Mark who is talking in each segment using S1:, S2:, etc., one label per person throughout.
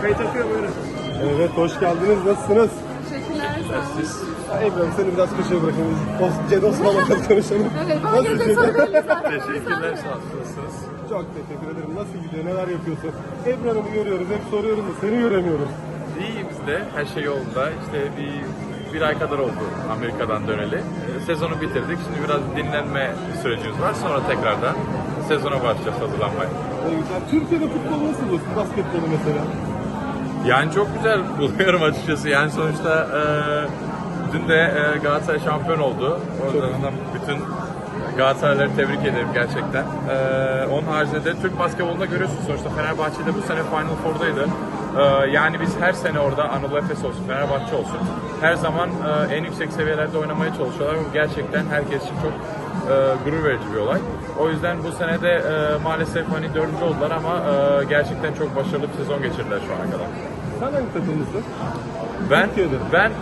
S1: Kayıt akıyor buyurun.
S2: Evet, hoş geldiniz. Nasılsınız?
S3: Teşekkürler. Sağ olun.
S2: Ebru, seni biraz köşeye bırakayım. Ced Osman'la konuşalım.
S3: Evet, bana gelecek soru belli zaten.
S1: Teşekkürler, sağ olun. Nasılsınız?
S2: Çok teşekkür ederim. Nasıl gidiyor? Neler yapıyorsun? Ebru Hanım'ı görüyoruz. Hep soruyoruz da seni göremiyoruz.
S1: İyi biz de, her şey yolunda. İşte bir ay kadar oldu Amerika'dan döneli. Sezonu bitirdik. Şimdi biraz dinlenme sürecimiz var. Sonra tekrardan sezona başlayacağız hazırlanmaya.
S2: Ne güzel. Türkiye'de futbol nasıl buluyorsun? Basketbolu mesela.
S1: Yani çok güzel buluyorum açıkçası. Yani sonuçta dün de Galatasaray şampiyon oldu. Oradan bütün Galatasarayları tebrik ederim gerçekten. Onun haricinde de Türk basketbolunda görüyorsunuz sonuçta Fenerbahçe'de bu sene Final Four'daydı. Yani biz her sene orada Anadolu Efes olsun, Fenerbahçe olsun her zaman en yüksek seviyelerde oynamaya çalışıyorlar. Bu gerçekten herkes için çok gurur verici bir olay. O yüzden bu sene de maalesef hani 4. oldular ama gerçekten çok başarılı bir sezon geçirdiler şu ana kadar.
S2: Sen hangi takımlısın?
S1: Ben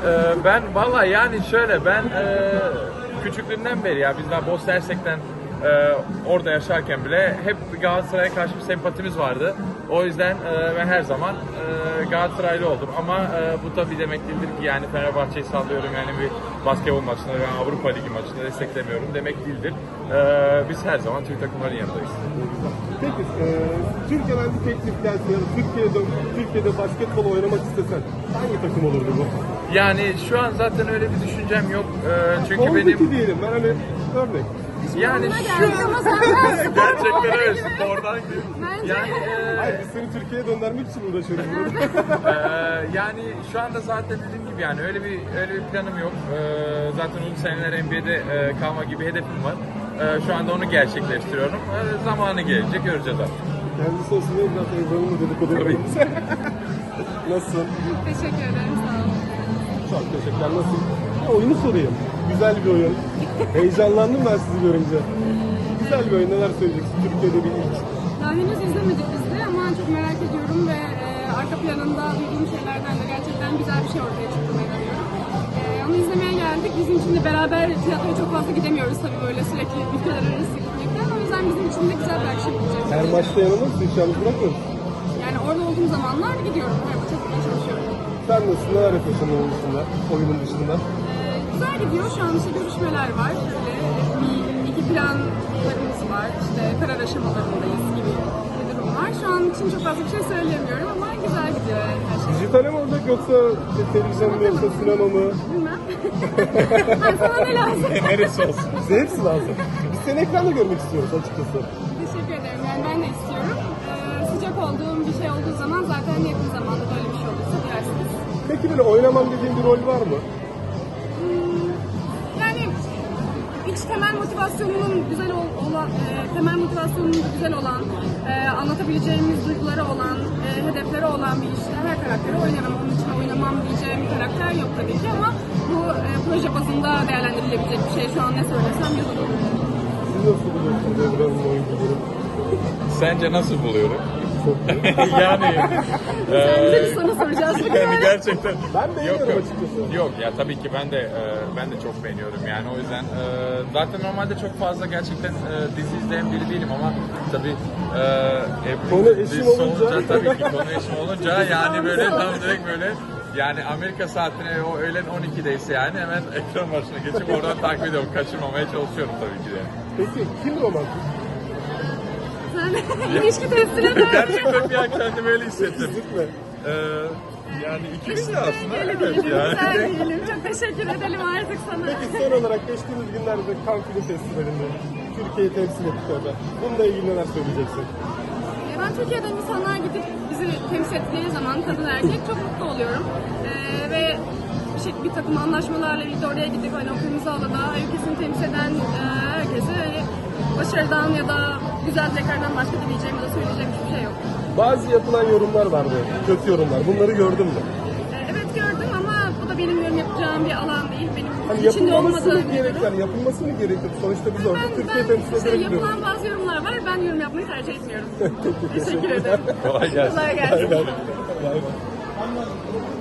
S1: vallahi yani şöyle küçüklüğümden beri ya biz daha Bosna Hersek'ten orada yaşarken bile hep Galatasaray'a karşı bir sempatimiz vardı. O yüzden ben her zaman Galatasaraylı oldum. Ama bu tabii demek değildir ki yani Fenerbahçe'yi sallıyorum yani bir basketbol maçında veya Avrupa Ligi maçında desteklemiyorum demek değildir. Biz her zaman Türk takımların yanındayız.
S2: Peki, Türkiye'den bir teklif gelse ya da Türkiye'de basketbol oynamak istesen hangi takım olurdu bu?
S1: Yani şu an zaten öyle bir düşüncem yok. Çünkü
S2: Oradaki
S1: benim
S2: diyelim, ben hani örnek.
S1: yani şu
S3: Ama zaten
S1: gerçekten öyle spordan gibi.
S3: Bence.
S1: Yani
S2: Hayır, biz seni Türkiye'ye döndürmek için uğraşıyoruz burada.
S1: yani şu anda zaten dediğim gibi yani öyle bir planım yok. Zaten uzun seneler NBA'de kalma gibi hedefim var. Şu anda onu gerçekleştiriyorum. Zamanı gelecek göreceğiz artık.
S2: Kendisi olsun diye biraz Ebru'nun dedikodu yapalım. Nasılsın?
S3: Teşekkür ederim. Sağ olun.
S2: Çok teşekkürler. Nasıl? Oyunu sorayım. Güzel bir oyun. Heyecanlandım ben sizi görünce. Güzel bir oyun. Neler söyleyeceksin? Türkiye'de bir ilk.
S3: Daha henüz izlemedik biz de ama çok merak ediyorum ve arka planında duyduğum şeylerden de gerçekten güzel bir şey ortaya çıktığına inanıyorum. Onu izlemeye geldik. Bizim için de beraber tiyatroya çok fazla gidemiyoruz tabii böyle sürekli ülkeler arası gitmekten. O yüzden bizim için de güzel bir akşam olacak.
S2: Her maçta yanılır mısın? Hiç yalnız bırakmıyor musun?
S3: Yani orada olduğum zamanlar gidiyorum. Her maça gitmeye çalışıyorum.
S2: Sen nasılsın? Neler yapıyorsun onun dışında? Oyunun dışında?
S3: Güzel gidiyor. Şu an işte görüşmeler var. Böyle iki planlarımız var. İşte karar aşamalarındayız gibi bir durum var. Şu an için çok fazla bir şey söyleyemiyorum ama güzel gidiyor yani her şey.
S2: Dijitale mi olacak yoksa televizyon mu yoksa sinema mı?
S3: Bilmem. Ha, sana ne lazım?
S1: Neresi olsun?
S2: Bize hepsi lazım. Biz seni ekranda görmek istiyoruz açıkçası.
S3: Teşekkür ederim. Yani ben de istiyorum. Sıcak olduğum bir şey olduğu zaman zaten yakın zamanda böyle bir şey olursa duyarsınız.
S2: Peki böyle oynamam dediğin bir rol var mı?
S3: Yani iç temel motivasyonunun güzel olan, anlatabileceğimiz duyguları olan, hedefleri olan bir işte her karakteri oynarım. Onun için oynamam diyeceğim bir karakter yok tabii ki ama bu proje bazında değerlendirilebilecek bir şey. Şu an ne söylesem yalan olur.
S2: Siz nasıl buluyorsunuz Ebru'nun oyunculuğunu?
S1: Sence nasıl buluyorum?
S2: Çok iyi.
S1: yani
S3: Bize bir soru soracağız.
S1: yani gerçekten
S2: Ben beğeniyorum
S1: yok.
S2: açıkçası.
S1: Yok ya tabii ki ben de çok beğeniyorum yani o yüzden zaten normalde çok fazla gerçekten dizi izleyen biri değilim ama tabii Ebru
S2: Konu eşim
S1: dizisi
S2: olunca.
S1: tabii ki konu eşim olunca yani böyle tam direkt böyle yani Amerika saatine o öğlen 12'deyse yani hemen ekran başına geçip oradan takip ediyorum kaçırmamaya çalışıyorum tabii ki de.
S2: Peki kim romantik?
S3: Sen ilişki testine de
S1: Gerçekten bir an kendimi öyle hissettim.
S2: Kesinlikle.
S1: Yani ikimiz de aslında
S3: öyle
S1: evet
S3: diyelim,
S1: yani.
S3: güzel diyelim. Çok teşekkür edelim artık sana.
S2: Peki son olarak geçtiğimiz günlerde Cannes Film Festivali'nde Türkiye'yi temsil ettik orada. Bununla ilgili neler söyleyeceksin?
S3: Ben Türkiye'den insanlar gidip bizi temsil ettiği zaman kadın erkek çok mutlu oluyorum. Ve bir takım anlaşmalarla birlikte oraya gidip hani o kırmızı alada ülkesini temsil eden herkese hani başarıdan ya da güzel dileklerden başka dileyeceğim ya da söyleyeceğim hiçbir şey yok.
S2: Bazı yapılan yorumlar vardı, kötü yorumlar. Bunları gördün mü?
S3: Evet gördüm ama bu da benim yorum yapacağım bir alan değil. Benim
S2: Hani
S3: içinde
S2: yapılması mı
S3: olmadığım bir
S2: gerek?
S3: durum.
S2: Yani yapılması mı gerekiyor? Sonuçta biz orada Türkiye temsil
S3: işte
S2: ederek gidiyoruz.
S3: yapılan bazı yorumlar var. Ben yorum yapmayı tercih etmiyorum.
S2: Peki,
S3: Teşekkür ederim.
S1: Kolay gelsin.
S3: Kolay gelsin.
S2: Aynen.